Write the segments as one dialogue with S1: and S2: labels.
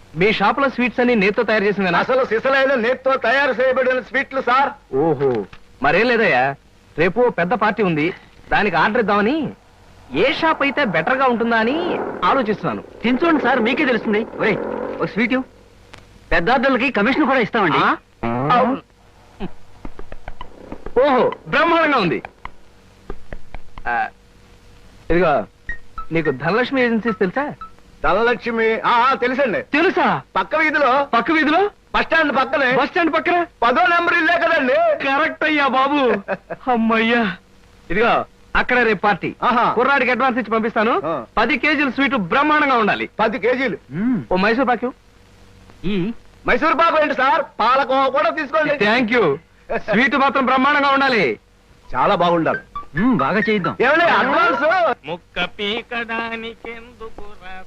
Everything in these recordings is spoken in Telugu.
S1: మీ షాప్ లో స్వీట్స్ అన్ని నేతితో తయారు చేసింది.
S2: అసలు సిసలైన నేతితో తయారు చేయబడిన స్వీట్లు సార్.
S1: ఓహో, మరేం లేదయ్యా, రేపు పెద్ద పార్టీ ఉంది, దానికి ఆర్డర్ ఇద్దామని ఏ షాప్ అయితే బెటర్ గా ఉంటుందా అని ఆలోచిస్తున్నాను.
S3: తినచూడండి సార్, మీకే తెలుస్తుంది. ఒరే ఒక స్వీట్ పెద్ద ఆర్డర్లకి కమిషన్ కూడా ఇస్తామండి.
S1: ఓహో, బ్రహ్మాండంగా ఉంది. ఇదిగో, నీకు ధనలక్ష్మి ఏజెన్సీస్ తెలుసా?
S2: ధనలక్ష్మి తెలుసండి.
S1: తెలుసా?
S2: పక్క వీధిలో బస్ స్టాండ్ పక్కన 10వ నెంబర్ ఇల్లే కదండి.
S1: కరెక్ట్ అయ్యా బాబు. అమ్మయ్యా. ఇదిగో, అక్కడ రేపు పార్టీ. కుర్రాడికి అడ్వాన్స్ ఇచ్చి పంపిస్తాను. 10 కేజీలు స్వీట్ బ్రహ్మాండంగా ఉండాలి.
S2: 10 కేజీలు.
S1: ఓ మైసూర్ పాకు.
S2: ఈ మైసూర్ పాకు ఏంటి సార్? పాలకోవా కూడా తీసుకోండి.
S1: Thank you. స్వీట్ మాత్రం బ్రహ్మాండంగా ఉండాలి.
S2: చాలా బాగుండాలి.
S3: బాగా చేద్దాం.
S2: ఏమండి అడ్వాన్స్?
S4: ముక్క పీకడానికెందుకు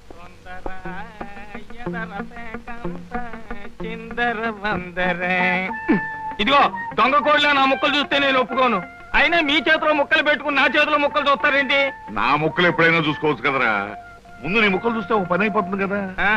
S4: చిందర వందరే. ఇదిగో, దొంగ కోళ్ళ నా ముక్కలు చూస్తే నేను ఒప్పుకోను. అయినా మీ చేతిలో ముక్కలు పెట్టుకుని నా చేతిలో ముక్కలు చూస్తారేంటి?
S5: నా ముక్కలు ఎప్పుడైనా చూసుకోవచ్చు కదరా. ముందు నీ ముక్కలు చూస్తే ఒక పని అయిపోతుంది కదా.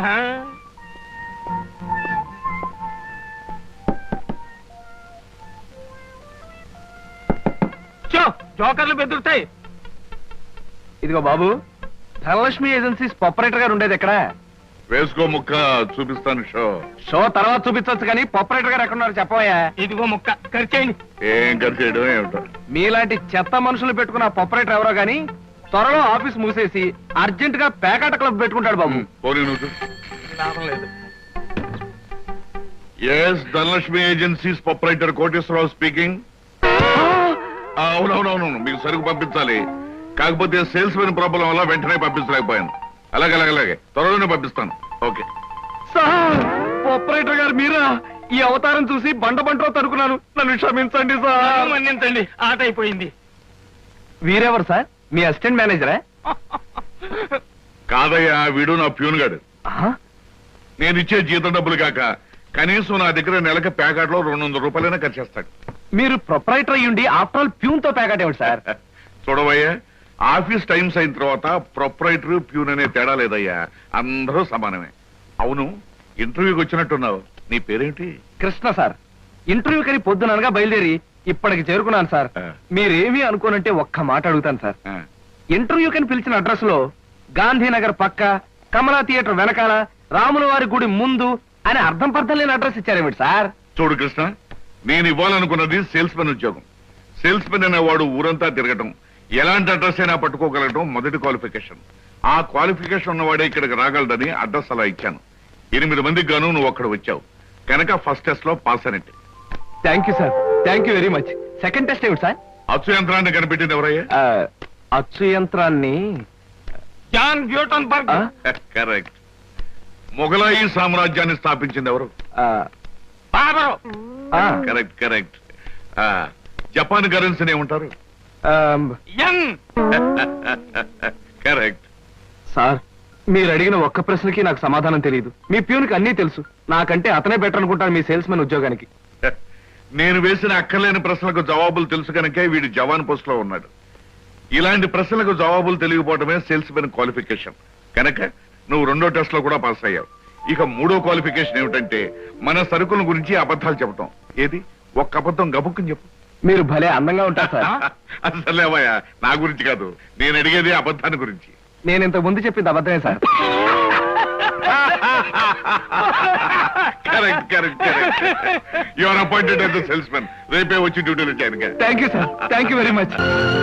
S4: జోకర్లు బెదురుతాయి.
S1: ఇదిగో బాబు, ధనలక్ష్మి ఏజెన్సీస్ ప్రొపరేటర్ గారు ఉండేది ఎక్కడ?
S5: వేసుకో ముక్క, చూపిస్తాను.
S1: షో తర్వాత చూపించవచ్చు కానీ ప్రొపరేటర్ గారు ఎక్కడ ఉన్నారు చెప్పవయ్యా.
S4: ఇదిగో ముక్క ఖర్చేయండి.
S5: ఏం ఖర్చు చేయడం ఏమిటో.
S1: మీలాంటి చెత్త మనుషులు పెట్టుకున్న ప్రొపరేటర్ ఎవరో గానీ త్వరలో ఆఫీస్ మూసేసి అర్జెంట్ గా పేకాట క్లబ్ పెట్టుకుంటాడు బాబు.
S5: పోనీ నువ్వు.
S4: లాభం లేదు.
S5: Yes, Dhanalakshmi agencies proprietor Koteswara Rao speaking. అవునవునవును, మీకు సరుకు పంపించాలి. కాకపోతే సేల్స్ మెన్ ప్రాబ్లం వల్ల వెంటనే పంపించలేకపోయాను. అలాగే త్వరలోనే పంపిస్తాను. ఓకే
S1: సార్, ప్రొపరేటర్ గారు మీరా? ఈ అవతారం చూసి బంటో తరుకున్నాను, నన్ను క్షమించండి సార్.
S4: మన్నించండి, ఆట అయిపోయింది.
S1: వీరెవరు సార్? మీ అసిస్టెంట్ మేనేజరా?
S5: కాదయ్యా, వీడు నా ప్యూన్ గాడు. నేను ఇచ్చే జీతం డబ్బులు కాక కనీసం నా దగ్గర నెలకి ప్యాకెట్లో 200 రూపాయలైనా ఖర్చు చేస్తాడు.
S1: మీరు ప్రొపరేటర్ అయ్యుండి ఆఫ్టర్ ఆల్ ప్యూన్ తో ప్యాకెట్ ఏమిటి సార్?
S5: చూడవయ్యా, ఆఫీస్ టైమ్స్ అయిన తర్వాత ప్రొపరేటర్ ప్యూన్ అనే తేడా లేదయ్యా, అందరూ సమానమే. అవును, ఇంటర్వ్యూకి వచ్చినట్టున్నావు. నీ పేరేంటి?
S1: కృష్ణ సార్. ఇంటర్వ్యూ కని పొద్దుననగా బయలుదేరి ఇప్పటికి చేరుకున్నాను సార్. మీరేమీ అనుకోనంటే ఒక్క మాట అడుగుతాను సార్. ఇంటర్వ్యూ కని పిలిచిన అడ్రస్ లో గాంధీనగర్ పక్క, కమలా థియేటర్ వెనకాల, రాముల వారి గుడి ముందు అని అర్థం పర్థం లేని అడ్రస్ ఇచ్చారేమిటి సార్?
S5: చూడు కృష్ణ, నేను ఇవ్వాలనుకున్నది సేల్స్ మెన్ ఉద్యోగం. సేల్స్ మెన్ అనేవాడు ఊరంతా తిరగటం, ఎలాంటి అడ్రస్ అయినా పట్టుకోగలగటం మొదటి క్వాలిఫికేషన్. ఆ క్వాలిఫికేషన్ ఉన్నవాడే ఇక్కడికి రాగలడని అడ్రస్ అలా ఇచ్చాను. 8 మందికి గాను నువ్వు అక్కడ వచ్చావు కనుక ఫస్ట్ టెస్ట్ లో పాస్ అయినట్టు.
S1: Thank you sir, thank you very much. Second test ఏమిటి సార్?
S5: అచ్చు యంత్రాన్ని కనిపెట్టింది ఎవరయ్యా?
S1: అచ్చు యంత్రాన్ని
S4: జాన్ గ్యూటన్బర్గ్.
S5: కరెక్ట్. మొఘలాయి సామ్రాజ్యాన్ని స్థాపించింది ఎవరు? కరెక్ట్. జపాన్ కరెన్సీని ఏమంటారు? కరెక్ట్.
S1: సార్, మీరు అడిగిన ఒక్క ప్రశ్నకి నాకు సమాధానం తెలియదు. మీ ప్యూన్కి అన్నీ తెలుసు. నాకంటే అతనే బెటర్ అనుకుంటాను మీ సేల్స్ మెన్ ఉద్యోగానికి.
S5: నేను వేసిన అక్కర్లేని ప్రశ్నలకు జవాబులు తెలుసు కనుకే వీడు జవాన్ పోస్ట్ లో ఉన్నాడు. ఇలాంటి ప్రశ్నలకు జవాబులు తెలియకపోవడమే సేల్స్ మెన్ క్వాలిఫికేషన్. కనుక నువ్వు 2వ టెస్ట్ లో కూడా పాస్ అయ్యావు. ఇక 3వ క్వాలిఫికేషన్ ఏమిటంటే మన సరుకుల గురించి అబద్ధాలు చెప్పటం. ఏది? ఒక్క అబద్ధం గబుక్కుని చెప్పు.
S1: మీరు భలే అందంగా ఉంటారు సార్.
S5: అసలేవయ్యా, నా గురించి కాదు, నేను అడిగేది అబద్ధాన్ని గురించి.
S1: నేను ఇంతకు ముందు చెప్పింది అబద్ధమే sir.
S5: Correct. You are appointed as the salesmen. రేపే వచ్చి డ్యూటీలో జాయిన్ గా.
S1: Thank you sir, thank you very much.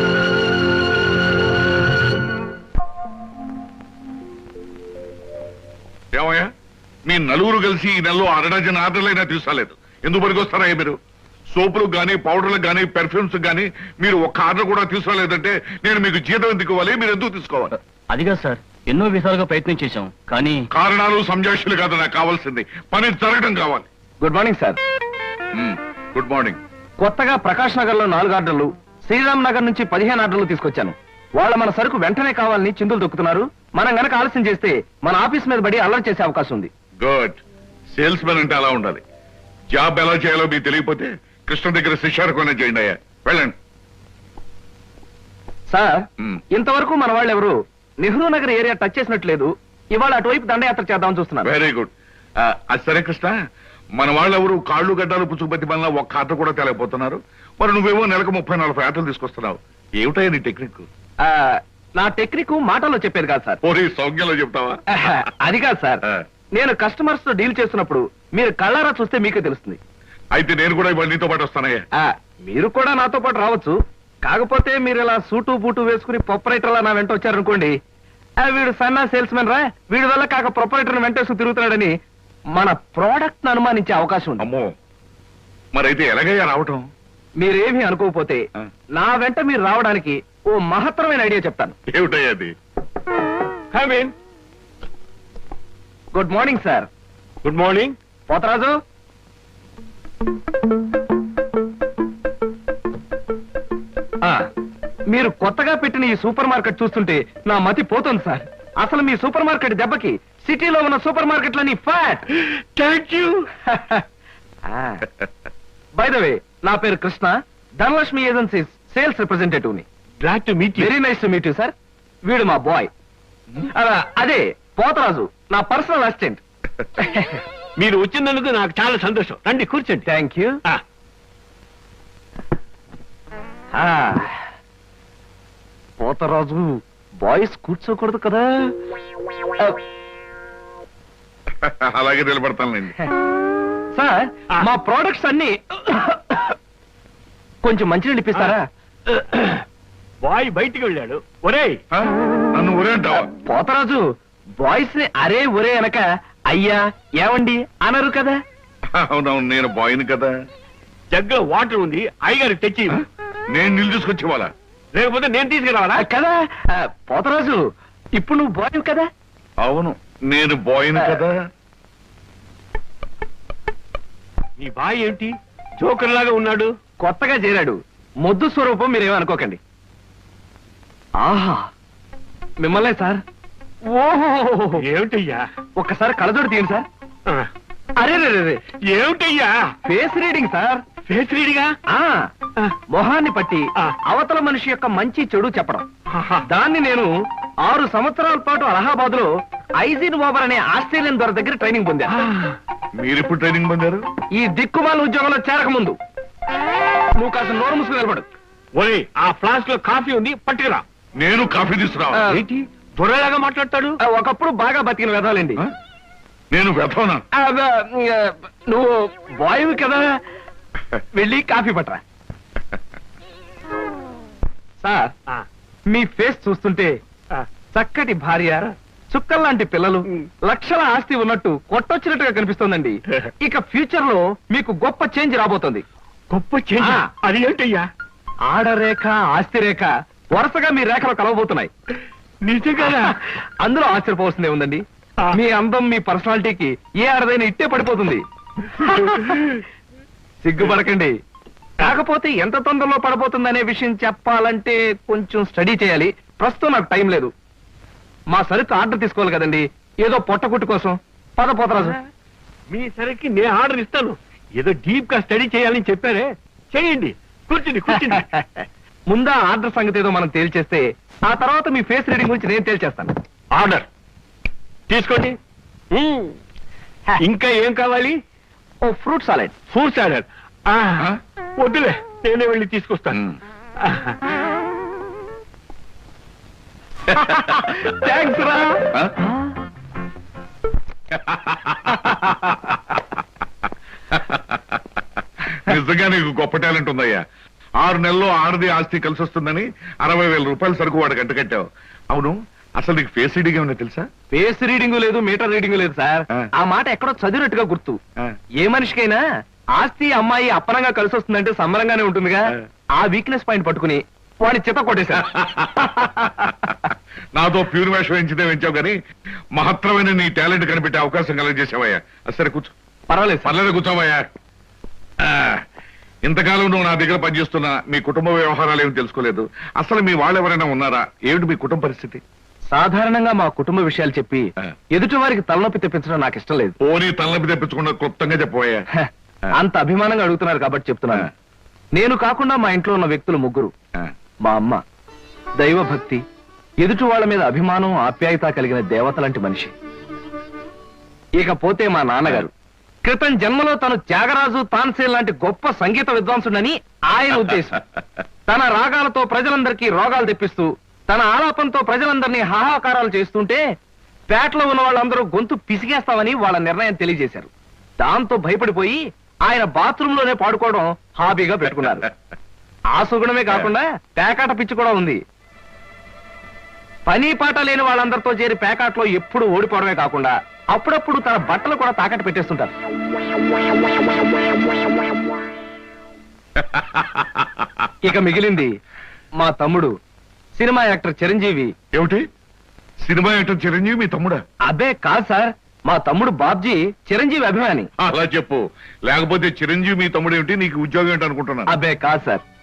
S5: ఏమయ్యా, మీ నలుగురు కలిసి ఈ నెలలో 6 డజన్ ఆర్డర్లైనా తీసుకోలేదు. ఎందుకు పనికొస్తారా మీరు? సోపులకు గానీ, పౌడర్లకు గానీ, పెర్ఫ్యూమ్స్ గానీ మీరు ఒక్క ఆర్డర్ కూడా తీసుకోలేదంటే నేను మీకు జీతం ఎందుకు ఇవ్వాలి? మీరు ఎందుకు తీసుకోవాలి?
S3: అదిగా సార్, ఎన్నో విధాలుగా ప్రయత్నం చేశాం కానీ
S5: కారణాలు సంజాషులు కాదు నాకు కావాల్సింది, పని జరగడం కావాలి.
S1: Good morning sir.
S5: Good morning.
S1: కొత్తగా ప్రకాష్ నగర్ లో 4 ఆర్డర్లు, శ్రీరామ్ నగర్ నుంచి 15 ఆర్డర్లు తీసుకొచ్చాను. వాళ్ళ మన సరుకు వెంటనే కావాలని చిందులు దొక్కుతున్నారు. మనం గనక ఆలస్యం చేస్తే మన ఆఫీస్ మీద పడి అల్లరి చేసే అవకాశం ఉంది.
S5: గుడ్. సేల్స్ మెన్ అంటే అలా ఉండాలి. జాబ్ ఎలా చేయాలో మీకు తెలియకపోతే కృష్ణ దగ్గర శిష్యారకమైనా చేయండి అయ్యా. వెళ్ళండి
S1: సార్. ఇంతవరకు మన వాళ్ళు ఎవరు నెహ్రూ నగర్ ఏరియా టచ్ చేసినట్లేదు. ఇవాళ అటువైపు దండయాత్ర చేద్దామని చూస్తున్నారు.
S5: Very good. అది సరే కృష్ణ, మన వాళ్ళెవరు కాళ్ళు గడ్డాలు పుచ్చుకుపత్తి వల్ల ఒక్క ఆట కూడా తేలేకపోతున్నారు. మరి నువ్వేమో నెలకు 30-40 ఆటలు తీసుకొస్తున్నావు. ఏమిటయ్యా నీ టెక్నిక్?
S1: నా టెక్నిక్ మాటల్లో చెప్పేది కాదు సార్.
S5: పోనీ సౌజ్ఞంలో చెప్తావా?
S1: అది కాదు సార్, నేను కస్టమర్స్ తో డీల్ చేస్తున్నప్పుడు మీరు కళ్ళారా చూస్తే మీకే తెలుస్తుంది.
S5: అయితే నేను కూడా ఇవాళ నీతో పాటు వస్తానయ్యా.
S1: మీరు కూడా నాతో పాటు రావచ్చు. కాకపోతే మీరు ఇలా సూటు బూటు వేసుకుని ప్రొపరేటర్లా నా వెంట వచ్చారనుకోండి, వీడు సన్నా సేల్స్ మెన్ రా, వీడి వల్ల కాక ప్రొపరేటర్ వెంటేసుకు తిరుగుతున్నాడని మన ప్రోడక్ట్ ను అనుమానించే అవకాశం ఉంది.
S5: అమ్మో, మరైతే ఎలాగయ్యా రావటం?
S1: మీరేమీ అనుకోకపోతే నా వెంట మీరు రావడానికి ఓ మహత్తరమైన ఐడియా చెప్తాను.
S5: ఏమిటయ్యా అది?
S1: Good morning sir.
S2: Good morning.
S1: Potharaju, మీరు కొత్తగా పెట్టిన ఈ సూపర్ మార్కెట్ చూస్తుంటే నా మతి పోతుంది సార్. అసలు మీ సూపర్ మార్కెట్ దెబ్బకి సిటీలో ఉన్న సూపర్ మార్కెట్లని flat.
S2: Thank you.
S1: By the way, నా పేరు Krishna, Dhanalakshmi agencies sales representative ని.
S2: Glad to meet you.
S1: Very nice to meet you sir. వీడు మా బాయ్. అదే పోతరాజు, నా పర్సనల్ అసిస్టెంట్.
S2: మీరు వచ్చినందుకు నాకు చాలా సంతోషం. రండి కూర్చోండి.
S1: Thank you. పోతరాజు, బాయ్స్ కూర్చోకూడదు కదా.
S5: అలాగే నిలబడతానండి.
S1: సార్, మా ప్రోడక్ట్స్ అన్ని కొంచెం మంచినీళ్ళు ఇప్పిస్తారా?
S2: బాయ్ బయటికి వెళ్ళాడు. ఒరేయ్,
S5: నన్ను ఊరే అంటావా?
S1: పోతరాజు, బాయ్స్ ని అరే ఒరే అనక అయ్యా ఏమండి అనరు కదా.
S5: అవునవును, నేను బాయ్ని కదా.
S2: జగ్గులో వాటర్ ఉంది, అయ్యగారికి తెచ్చి.
S5: నేను నీళ్ళు తీసుకొచ్చి వాళ్ళ,
S2: లేకపోతే నేను తీసుకురావాలా?
S1: కదా పోతరాజు, ఇప్పుడు నువ్వు బాయ్ కదా.
S5: అవును, నేను బాయ్ని కదా.
S2: నీ బాయ్ ఏంటి జోకర్ లాగా ఉన్నాడు?
S1: కొత్తగా చేరాడు, మొద్దు స్వరూపం, మీరేమనుకోకండి. ఆహా, మిమ్మల్నే సార్. ఓహో,
S2: ఏమిటయ్యా?
S1: ఒక్కసారి కళ్ళజోడు తీయండి సార్. అరే రే,
S2: ఏమిటయ్యా?
S1: Face reading sir.
S2: ఫేస్ రీడింగా?
S1: మొహాన్ని పట్టి అవతల మనిషి యొక్క మంచి చెడు చెప్పడం. దాన్ని నేను 6 సంవత్సరాల పాటు అలహాబాద్ లో ఐజిన్ ఓవర్ అనే ఆస్ట్రేలియన్ దొర దగ్గర ట్రైనింగ్ పొందా.
S5: మీరెప్పుడు ట్రైనింగ్ పొందారు?
S1: ఈ దిక్కుమాల ఉద్యోగంలో చేరక ముందు. నువ్వు కాస్త నోరు ముసుగు నిలబడు.
S2: ఒరే, ఆ ఫ్లాస్క్ లో కాఫీ ఉంది, పట్టుకురా.
S5: నేను కాఫీ తీసుకురావా?
S2: ఏంటి దొరలాగా మాట్లాడతాడు?
S1: ఒకప్పుడు బాగా బతికిన వెదాలండి.
S5: నేను వెతవనా?
S1: నువ్వు బాయ్ కదా, వెళ్ళి కాఫీ పట్టరా. సార్, మీ ఫేస్ చూస్తుంటే చక్కటి భార్య, చుక్కల్లాంటి పిల్లలు, లక్షల ఆస్తి ఉన్నట్టు కొట్టొచ్చినట్టుగా కనిపిస్తోందండి. ఇక ఫ్యూచర్ లో మీకు గొప్ప చేంజ్ రాబోతోంది.
S2: గొప్ప చేంజ్? అది ఏంటయ్యా?
S1: ఆడరేఖ, ఆస్తి రేఖ వరుసగా మీ రేఖలు కలవబోతున్నాయి.
S2: నిజంగా?
S1: అందులో ఆశ్చర్యపోవాల్సిందే ఉందండి. మీ అందం, మీ పర్సనాలిటీకి ఏ ఆడదైనా ఇట్టే పడిపోతుంది. సిగ్గుపడకండి. కాకపోతే ఎంత తొందరలో పడబోతుందనే విషయం చెప్పాలంటే కొంచెం స్టడీ చేయాలి. ప్రస్తుతం నాకు టైం లేదు. మా సరుకు ఆర్డర్ తీసుకోవాలి కదండి, ఏదో పొట్టకుట్టు కోసం. పద పోతరాజు.
S2: మీ సరికి నేను ఆర్డర్ ఇస్తాను. ఏదో డీప్ గా స్టడీ చేయాలని చెప్పారే, చేయండి. కూర్చుని కూర్చుని.
S1: ముందా ఆర్డర్ సంగతి ఏదో మనం తేల్చేస్తే ఆ తర్వాత మీ ఫేస్ రీడింగ్ గురించి నేను తేల్చేస్తాను.
S2: ఆర్డర్ తీసుకోండి. ఇంకా ఏం కావాలి?
S1: ఓ ఫ్రూట్ సాలెడ్.
S2: ఫ్రూట్ సాలెడ్ వద్దులే, నేనే వెళ్ళి తీసుకొస్తాను.
S1: థ్యాంక్స్ రా.
S5: నిజంగా నీకు గొప్ప టాలెంట్ ఉందయ్యా. 6 నెలల్లో ఆడది ఆస్తి కలిసి వస్తుందని 60,000 రూపాయల సరుకు వాడు గంట కట్టావు. అవును, అసలు నీకు ఫేస్ రీడింగ్ ఏమన్నా తెలుసా?
S1: ఫేస్ రీడింగ్ లేదు, మీటర్ రీడింగ్ లేదు సార్. ఆ మాట ఎక్కడో చదివినట్టుగా గుర్తు. ఏ మనిషికైనా ఆస్తి అమ్మాయి అప్పనంగా కలిసి వస్తుందంటే సంబరంగానే ఉంటుందిగా. ఆ వీక్నెస్ పాయింట్ పట్టుకుని వాడిని చిత్త కొట్టేశా.
S5: నాతో ప్యూర్ వేషం వేయించితే వేయించావు కానీ మహత్తరమైన నీ టాలెంట్ కనిపెట్టే అవకాశం కలగజేసావయ్యా. సరే కూర్చో.
S1: పర్వాలేదు,
S5: పర్లేదు, కూర్చోవయ్యా. ఇంతకాలం నువ్వు నా దగ్గర పనిచేస్తున్నా మీ కుటుంబ వ్యవహారాలు ఏమి తెలుసుకోలేదు. అసలు మీ వాళ్ళు ఎవరైనా ఉన్నారా? ఏమిటి మీ కుటుంబ పరిస్థితి?
S1: సాధారణంగా మా కుటుంబ విషయాలు చెప్పి ఎదుటి వారికి తలనొప్పి తెప్పించడం నాకు ఇష్టం లేదు.
S5: పోనీ తలనొప్పి తెప్పించకుండా క్లుప్తంగా చెప్పబోయా.
S1: అంత అభిమానంగా అడుగుతున్నారు కాబట్టి చెప్తున్నాను. నేను కాకుండా మా ఇంట్లో ఉన్న వ్యక్తులు 3. మా అమ్మ దైవభక్తి, ఎదుటి వాళ్ళ మీద అభిమానం, ఆప్యాయత కలిగిన దేవత లాంటి మనిషి. ఇకపోతే మా నాన్నగారు క్రితం జన్మలో తను త్యాగరాజు తాన్సేన్ లాంటి గొప్ప సంగీత విద్వాంసుడని ఆయన ఉద్దేశం. తన రాగాలతో ప్రజలందరికీ రోగాలు తెప్పిస్తూ తన ఆలాపంతో ప్రజలందరినీ హాహాకారాలు చేస్తుంటే పేటలో ఉన్న వాళ్ళందరూ గొంతు పిసిగేస్తామని వాళ్ళ నిర్ణయం తెలియజేశారు. దాంతో భయపడిపోయి ఆయన బాత్రూమ్ లోనే పాడుకోవడం హాబీగా పెట్టుకున్నారు. ఆ సుగుణమే కాకుండా పేకాట పిచ్చి కూడా ఉంది. పని పాట లేని వాళ్ళందరితో చేరి పేకాట్లో ఎప్పుడు ఓడిపోవడమే కాకుండా అప్పుడప్పుడు తన బట్టలు కూడా తాకట్టు పెట్టేస్తుంటారు. ఇక మిగిలింది మా తమ్ముడు సినిమా యాక్టర్ చిరంజీవి.
S5: ఏమిటి సినిమా యాక్టర్ చిరంజీవి మీ తమ్ముడా?
S1: అబ్బే కాదు సార్, మా తమ్ముడు బాబ్జీ చిరంజీవి అభిమాని.
S5: అలా చెప్పు, లేకపోతే చిరంజీవి మీ తమ్ముడు ఏమిటి, నీకు ఉద్యోగం ఏంటి అనుకుంటున్నాను.
S1: అబ్బే కాదు సార్,